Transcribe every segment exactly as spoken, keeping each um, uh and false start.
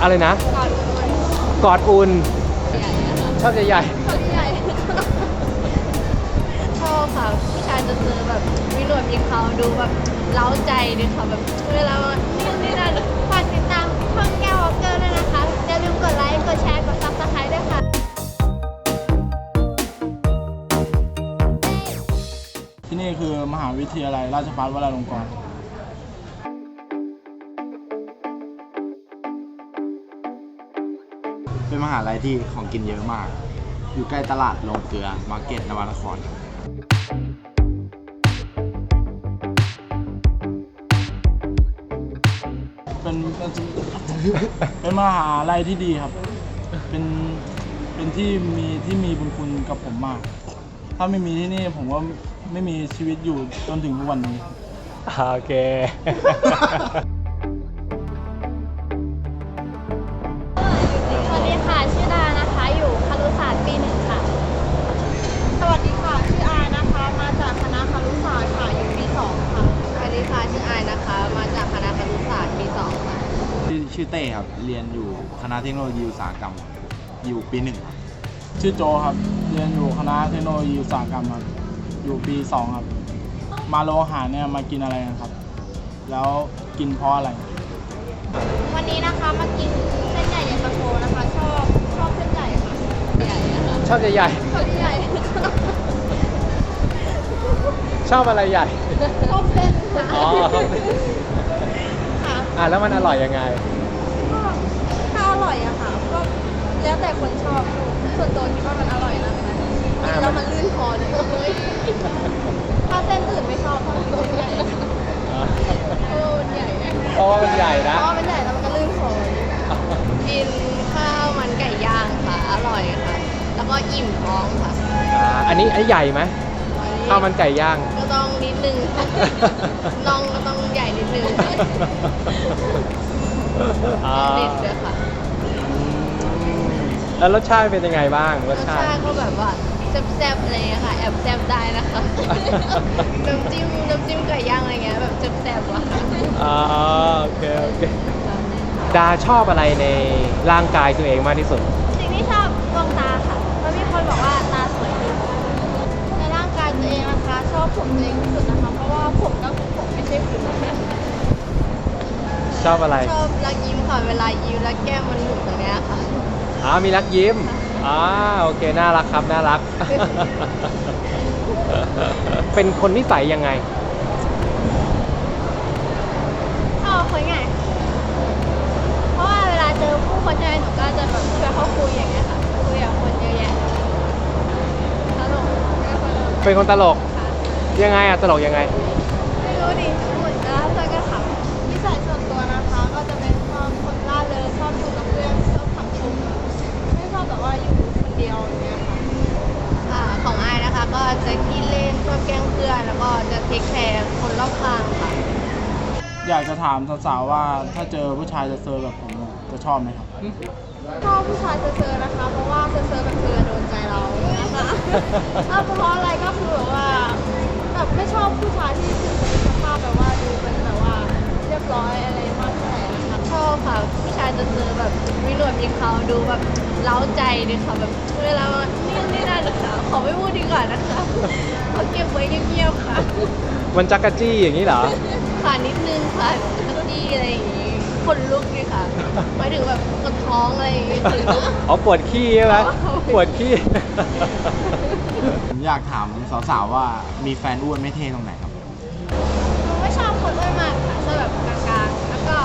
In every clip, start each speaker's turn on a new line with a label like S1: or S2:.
S1: อะไรนะกอดอุ่นชอบใหญ่
S2: ชอบค่ะผู้ชายจะเจอแบบมีหนวดมีเขาดูแบบเล้าใจดีค่ะแบบเวลานี่นี่นั่นฝากติดตามช่องแก้ววอลเกอร์ด้วยนะคะอย่าลืมกดไลค์กดแชร์กดซับสไครต์ด้วยค่ะ
S3: ที่นี่คือมหาวิทยาลัยราชภัฏวราลงกรณ์
S4: เป็นมหาลัยที่ของกินเยอะมากอยู่ใกล้ตลาดโรงเกลือมาร์เก็ตนวนคร
S3: เป็นเป็นเป็นมหาลัยที่ดีครับเป็นเป็นที่มีที่มีบุญคุณกับผมมากถ้าไม่มีที่นี่ผมว่าไม่มีชีวิตอยู่จนถึงทุกวันนี้
S1: โอเค
S2: สวัสดีค่ะชื่อดานะคะอยู่ครุศาสตร์ปีหนึ่งค่ะสวัสดีค่ะชื่ออานะคะมาจากคณะครุศาสตร์ค่ะอยู่ปีสองค่ะสวัสดีค่ะชื่ออายนะคะมาจากคณะครุศาสตร์ปีสองค่ะ
S4: ชื่อชื่อเต้ครับเรียนอยู่คณะเทคโนโลยีอุตสาหกรรมอยู่ปีหนึ่งครับ
S3: ชื่อโจครับเรียนอยู่คณะเทคโนโลยีอุตสาหกรรมครับอยู่ปีสองครับมาโรงอาหารเนี่ยมากินอะไรกันครับแล้วกินเพราะอะไร
S2: วันนี้นะคะมากินเส้นใหญ่เย็นตาโฟนะคะชอบชอบเส้นใหญ่ค่ะใหญ่นะคะ
S1: ชอบใหญ่
S2: ชอบใหญ่
S1: ชอบอะไรใหญ่
S2: ชอบเส้น
S1: อ๋อ
S2: ค่ะ
S1: อ่ะแล้วมันอร่อยยังไง
S2: ก็ถ้าอร่อยอะค่ะก็แล้วแต่คนชอบส่วนตัวคิดว่ามันอร่อยนะคะแล้วมันลื่นคอเลยถ้าเส้นอื่นไม่ชอบเพราะมันใหญ่เออใหญ่
S1: เพราะว่ามันใหญ่นะ
S2: เพราะมันใหญ่แล้วมันก็ลื่นคอกินข้าวมันไก่ย่างค่ะอร่อยค่ะแล้วก็อิ่มท้องค่ะ
S1: อันนี้อันนี้ใหญ่ไหมข้าวมันไก่ย่าง
S2: ก็ต้องนิดนึงน้องก็ต้องใหญ่นิดนึงเด็ดด้วยค่ะ
S1: แล้วรสชาติเป็นยังไงบ้าง
S2: รสชาติก็แบบว่าแซ่บๆอะไรเงี้ยค่ะแอบแซ่บได้นะคะน้ำจิ้มน้ำจิ้มไก่ย่างอะไรเงี้ยแบบแซ่บๆว่ะ
S1: อ๋อโอเคโอเคดาชอบอะไรในร่างกายตัวเองมากที่สุด
S2: สิ่งที่ชอบดวงตาค่ะเพราะมีคนบอกว่าตาสวยที่สุดในร่างกายตัวเองนะคะชอบผมตัวเองที่สุดนะคะเพราะว่าผมก็คือผมไม่ใช่ผิว
S1: ชอบอะไร
S2: ชอบรักยิ้มค่ะเวลายิ้มแล้วแก้มมันหนุนตรงเนี้ยค่ะ
S1: อ๋อมีรักยิ้มอ๋อโอเคน่ารักครับน่ารักเป็นคนนิสัยยังไง
S2: ชอบคุยง่ายเพราะว่าเวลาเจอผู้คนใหญ่หนูก็จะแบบชวนเขาคุยอย่างเงี้ยค่ะคุยกับคนเยอะแยะตลก
S1: เป็นคนตลกยังไงอะตลกยังไง
S2: ไม่รู้ดิเหมือนจะเจอกันค่ะนิสัยส่วนตัวนะคะก็จะเป็นคนร่าเริงชอบอยู่กับเพื่อนชอบสังคมไม่ชอบแบบว่าอยู่คนเดียวอย่างเงี้ยค่ะอ่าของอายนะคะก็จะขี้เล่นชอบแกล้งเพื่อนแล้วก็จะเทคแคร์คนรอบข้างค่ะ
S3: อยากจะถามสาวๆว่าถ้าเจอผู้ชายเซอร์แบบผมจะชอบไหมครับ
S2: ชอบผู้ชายเซอร์นะคะเพราะว่าเซอร์แบบเธอโดนใจเรานะคะถ้าเพราะอะไรก็คือแบบว่าแบบไม่ชอบผู้ชายที่คือสภาพแบบว่าดูเป็นแบบว่าเรียบร้อยอะไรมากเท่าไหร่นะคะชอบค่ะผู้ชายจะเจอแบบมีหนวดมีเขาดูแบบเล้าใจดีค่ะแบบเวลานี่นี่นั่นนะคะขอไม่พูดดีกว่านะคะเขาเก็บไว้เงียบๆค่ะ
S1: มันจักรจี้อย่างนี้เหรอ
S2: ค่ะนิดนึงค่ะจักรจี้อะไรอย่างนี้คนลุกนี่ค่ะหมายถึงแบบปวดท้องอะไรอย่างงี้ถึง
S1: อ๋อปวดขี้ใช่ไหมปวดขี้
S4: ผมอยากถามสาวๆว่ามีแฟนอ้วนไม่เท่ตรงไหนครับ
S2: ไม่ชอบคนอ้วนมากค่ะชอบแบบกลางๆแล้วก็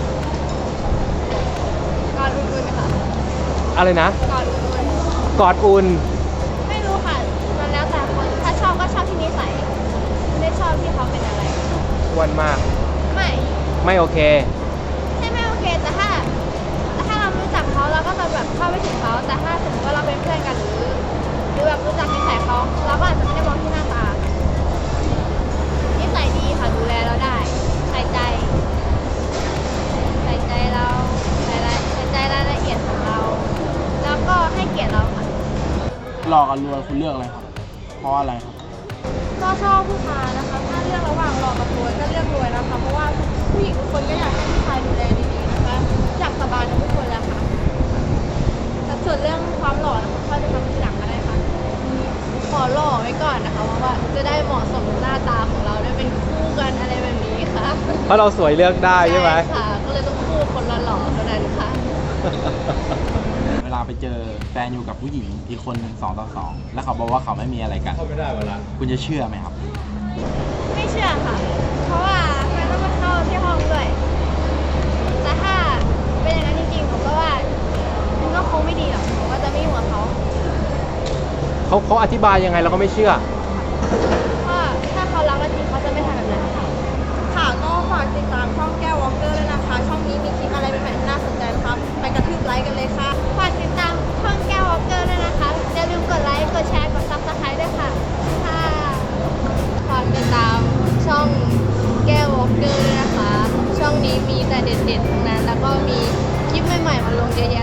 S2: กอดอุ่นๆค่ะ
S1: อะไรนะ
S2: กอดอุ่น
S1: กอดอุ่น
S2: ไม่รู้ค่ะมันแล้วแต่คนถ้าชอบก็ชอบที่นิสัยไม่ได้ชอบที่เขาเป็นอะไร
S1: อ้วนมาก
S2: ไม่
S1: ไม่โอเค
S2: ใช่ไม่โอเคแต่ถ้าถ้าเรารู้จักเขาเราก็จะแบบเข้าไปถึงเขาแต่ถ้าสมมติว่าเราเป็นเพื่อนกันหรือหรือแบบรู้จักนิสัยเขาเราก็อาจจะไม่ได้มองที่หน้าตานิสัยดีค่ะดูแลเราได้ใส่ใจใส่ใจเราใส่ใส่ใจรายละเอียดของเราแล้วก็ให้เกียรติเราค่ะ
S3: หล่อกับรวยคุณเลือกอะไรครับเพราะอะไรครับ
S2: ก็ชอบผู้ชายนะคะถ้าเลือกระหว่างหล่อกับรวยก็เลือกรวยนะคะเพราะว่าผู้หญิงทุกคนก็อยากให้ผู้ชายดูแลดีๆนะคะอยากสบายกับทุกคนแหล้วค่ะแต่ส่วนเรื่องความหล่อนะคะค่อยไปทำทีหลังก็ได้ค่ะขอหล่อไว้ก่อนนะคะเพราะว่าจะได้เหมาะสมกับหน้าตาของเราได้เป็นคู่กันอะไรแบบนี้ค่ะ
S1: เพราะเราสวยเลือกได้ใช่ไหม
S2: ค่ะ ก็เลยต้องคู่คนหล่อๆเท่านั้นค่ะ
S4: เวลาไปเจอแฟนอยู่กับผู้หญิงอีกคนหนึ่งสองต่อสองแล้วเขาบอกว่าเขาไม่มีอะไรกันเข้าไม่ได้เวลาคุณจะเชื่อไหมครับ
S2: ไม่เชื่อค่ะ เพราะว่ามันต้องมาเข้าที่ห้องด้วย แต่ถ้าเป็นอย่างนั้นจริงๆผมก็ว่ามันก็คงไม่ดีหรอกผมก็จะไม่อยู่กับเขา
S1: เขาเขาอธิบายยังไงเราก็ไม่เชื่อ
S2: เพราะถ้าเขารักเราจริงเขาจะไม่ทำแบบนั้นค่ะค่ะก็ฝากติดตามช่องแก้ววอลเกอร์ด้วยนะคะ ช่องนี้มีคลิปอะไรใหม่ๆที่น่าสนใจนะคะไปกระทืบไลค์กันเลยค่ะ ฝากติดตามช่องแก้ววอลเกอร์ด้วยนะคะ อย่าลืมกดไลค์ กดแชร์ กดซับสไครต์ด้วยค่ะ ค่ะ ฝากติดตามช่องแก้ววอลเกอร์ด้วยนะคะ ช่องนี้มีแต่เด็ดๆทั้งนั้น แล้วก็มีคลิปใหม่ๆมาลงเยอะแยะ